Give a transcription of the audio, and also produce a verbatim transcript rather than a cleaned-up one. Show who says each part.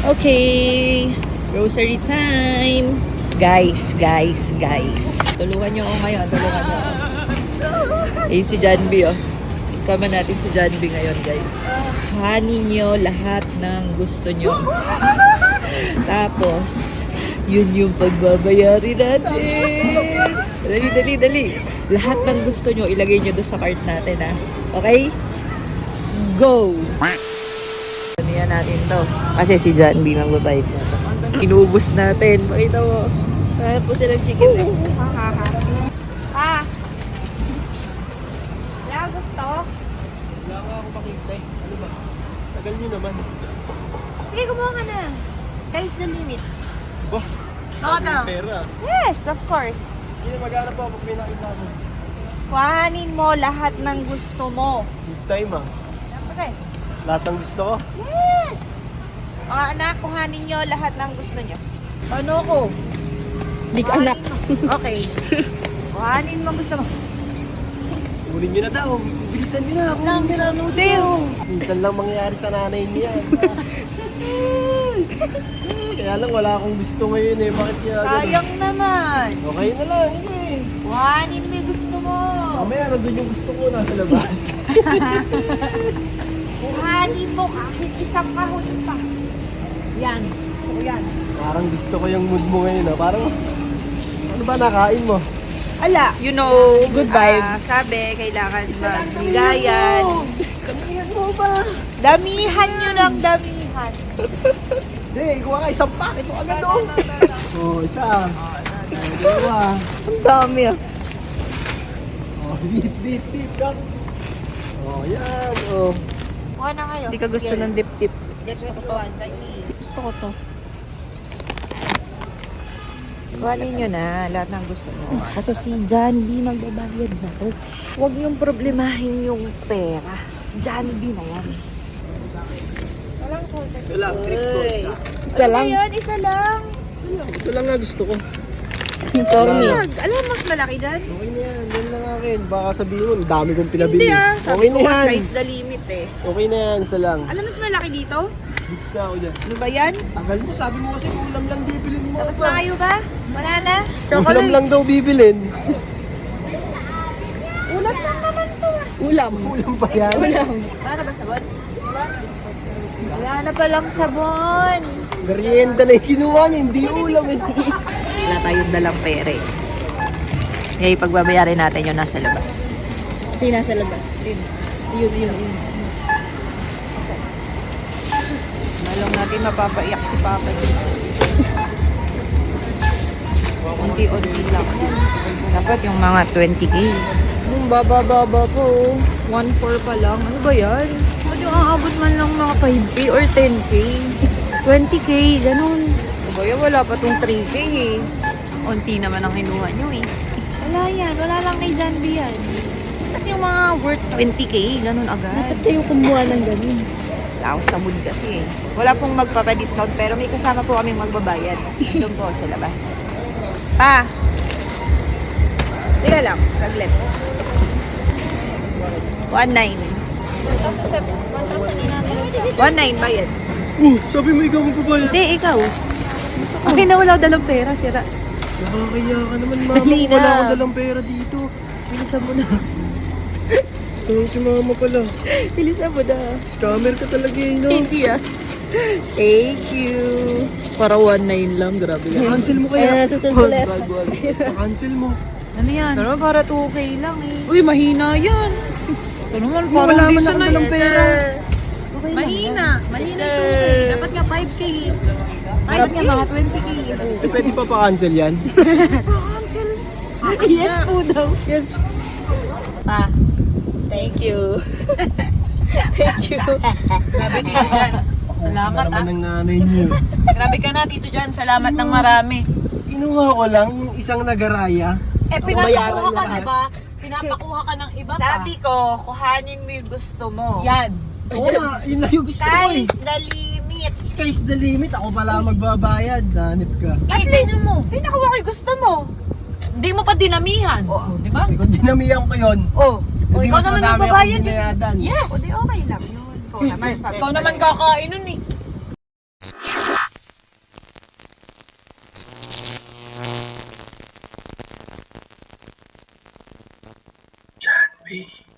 Speaker 1: Okay, grocery time. Guys, guys, guys. Tulungan nyo ako ngayon, tulungan nyo ako. Eh, si Janby, oh. Sama natin si Janby ngayon, guys. Hanin nyo lahat ng gusto nyo. Tapos, yun yung pagbabayari natin. Dali, dali, dali. Lahat ng gusto nyo, ilagay nyo doon sa cart natin, ha? Okay? Go! Sanihan natin to. Kasi si Janby magbabayad na to. Inubos natin. Pakita mo. Kaya po silang chicken. Eh.
Speaker 2: Ah! Wala gusto?
Speaker 3: Wala nga ako makita eh. Ano ba? Tagal nyo naman.
Speaker 2: Sige, kumuha ka na. Sky's the limit.
Speaker 3: Ba?
Speaker 2: Noodles.
Speaker 3: Pera.
Speaker 2: Yes, of course.
Speaker 3: Hindi na maghanap ako pag may nakita mo.
Speaker 2: Kuhanin mo lahat ng gusto mo.
Speaker 3: Good time ah.
Speaker 2: Siyempre.
Speaker 3: Lahat ng gusto ko.
Speaker 2: Yes! Mga anak, kuhanin nyo lahat ng gusto nyo.
Speaker 1: Ano ko? Hindi ka anak.
Speaker 2: Okay. Kuhanin mo ang gusto mo.
Speaker 3: Kunin nyo na daw. Bilisan nyo na. Kunin nyo na
Speaker 2: noodles.
Speaker 3: Minsan lang mangyayari sa nanay niya. Kaya lang wala akong gusto ngayon eh. Bakit kaya ganun?
Speaker 2: Sayang naman.
Speaker 3: Okay na lang. Hindi eh.
Speaker 2: Kuhanin mo yung gusto mo.
Speaker 3: Mamaya nandun yung gusto ko nasa labas.
Speaker 2: Kuhanin mo kahit isang kahon pa. Yan. O yan.
Speaker 3: Parang gusto ko yung mood mo ngayon ah. Parang ano ba nakain mo?
Speaker 2: Ala.
Speaker 1: You know, good vibes.
Speaker 2: Ah, sabi, kailangan magbigayan.
Speaker 3: Damihan mo ba?
Speaker 2: Damihan nyo ng damihan.
Speaker 3: Hindi, kuha ka isang packet. Ito agad oh. Oh, isa. Dalawa.
Speaker 1: Ang dami ah.
Speaker 3: Oh, beep, beep, beep. Cut. Oh, yan. Oh.
Speaker 2: Kuha na kayo.
Speaker 1: Hindi ka gusto ng dip-dip.
Speaker 2: Get mo ito. Dali.
Speaker 1: Gusto ko to.
Speaker 2: Kuhanin nyo na lahat ng gusto mo.
Speaker 1: Kasi si Janby magbabayad na to.
Speaker 2: Huwag niyong problemahin yung pera. Si Jollibee na yan. Walang salted.
Speaker 3: Ito lang, trip ko. Isa.
Speaker 1: Isa lang.
Speaker 2: Ayan, isa lang.
Speaker 3: Ito lang. Ito lang nga gusto ko.
Speaker 1: Tommy.
Speaker 2: Wag. Alam mo, mas malaki dyan.
Speaker 3: Okay na yan. Yan lang akin. Baka sabihin mo, ang dami kong pinabili.
Speaker 2: Hindi ah. Sabi
Speaker 3: Okay
Speaker 2: ko,
Speaker 3: na yan.
Speaker 2: sky's the limit eh.
Speaker 3: Okay na yan. Isa lang.
Speaker 2: Alam mo, mas malaki dito?
Speaker 3: Hits na ako dyan.
Speaker 2: Ano ba yan?
Speaker 3: Tagal mo. Sabi mo kasi ulam lang bibilin mo.
Speaker 2: Tapos na kayo ba? Wala na?
Speaker 3: Ulam lang daw bibilin.
Speaker 2: Ulam lang naman to ah.
Speaker 1: Ulam.
Speaker 3: Ulam pa yan.
Speaker 1: Ulam.
Speaker 2: Wala na ba sabon? Wala na palang sabon.
Speaker 3: Merienda na yung kinuha niya. Hindi ulam eh.
Speaker 1: Wala tayong dalang pere. Eh, pagbabayarin natin yung nasa labas. Hindi nasa labas. Yun. Yun, yun, yun. Malong natin mapapaiyak si Papa. Unti-unti lang. Dapat yung mga twenty K. Yung baba-baba po. one four pa lang. Ano ba yan? Ba't yung aabot man lang mga five K or ten K? twenty K, ganun. Ano ba yan? Wala pa tong three K eh. Unti naman ang kinuha nyo eh. Wala yan. Wala lang kay Janby yan. Ba't yung mga worth twenty K, ganun agad? Bakit kayo kumuha ng ganun? Wala ako sa mood kasi eh. Wala pong magpapadiscount pero may kasama po kaming magbabayad. Doon po sa labas. Pa! Teka lang, saglit. one nine. one nine bayad.
Speaker 3: Oh, sabi mo ikaw magbabayad.
Speaker 1: Hindi, ikaw. Okay na wala dalang pera, sira.
Speaker 3: Nakakaya ka naman, mama.
Speaker 1: Dali na.
Speaker 3: Wala akong dalang pera dito.
Speaker 1: Bilisan mo na.
Speaker 3: Gusto si mama pala.
Speaker 1: Bilisan mo na.
Speaker 3: Scammer ka talaga eh, no?
Speaker 1: Hindi ah. Thank you. Para one nine lang, grabe yan.
Speaker 3: Cancel mo kaya.
Speaker 1: susulit.
Speaker 3: Cancel mo.
Speaker 1: Ano yan? Ano para two K lang eh. Uy, mahina yan. Ito naman,
Speaker 3: Wala
Speaker 1: parang
Speaker 3: man
Speaker 1: bisa
Speaker 3: ako
Speaker 1: na
Speaker 3: dalang pera.
Speaker 1: Okay lang
Speaker 2: Mahina.
Speaker 1: yan.
Speaker 2: Mahina yung two K. Dapat nga five K.
Speaker 1: Dapat nga mga twenty K.
Speaker 3: Eh, pwede pa pa-cancel yan?
Speaker 1: Yes po daw. Yes. Pa, thank you. Thank you.
Speaker 2: Grabe dito dyan. Salamat
Speaker 3: naman
Speaker 2: ah.
Speaker 3: ng nanay niyo.
Speaker 2: Grabe ka na dito dyan. Salamat ng marami.
Speaker 3: Kinuha ko lang yung isang nagaraya.
Speaker 2: Eh, pinapakuha ka, diba? Pinapakuha ka ng iba pa.
Speaker 1: Sabi ko, kuhanin mo yung gusto mo.
Speaker 2: Yan.
Speaker 3: Oo nga, yun na yung gusto ko eh.
Speaker 1: Sky's the limit.
Speaker 3: Sky's the limit. Ako pala magbabayad. Hanip ka.
Speaker 2: At least, pinakuha ko yung gusto mo. Hindi mo pa dinamihan.
Speaker 1: Oo.
Speaker 2: Di ba?
Speaker 3: Eh, kung dinamihan ko yun,
Speaker 1: Oh.
Speaker 3: hindi
Speaker 2: ikaw
Speaker 3: mas
Speaker 2: naman
Speaker 3: madami
Speaker 2: magbabayad
Speaker 3: akong
Speaker 2: yun.
Speaker 3: binayadan.
Speaker 2: Yes.
Speaker 1: O di okay lang yun. Ikaw naman.
Speaker 2: Ikaw naman kakain nun eh.
Speaker 3: May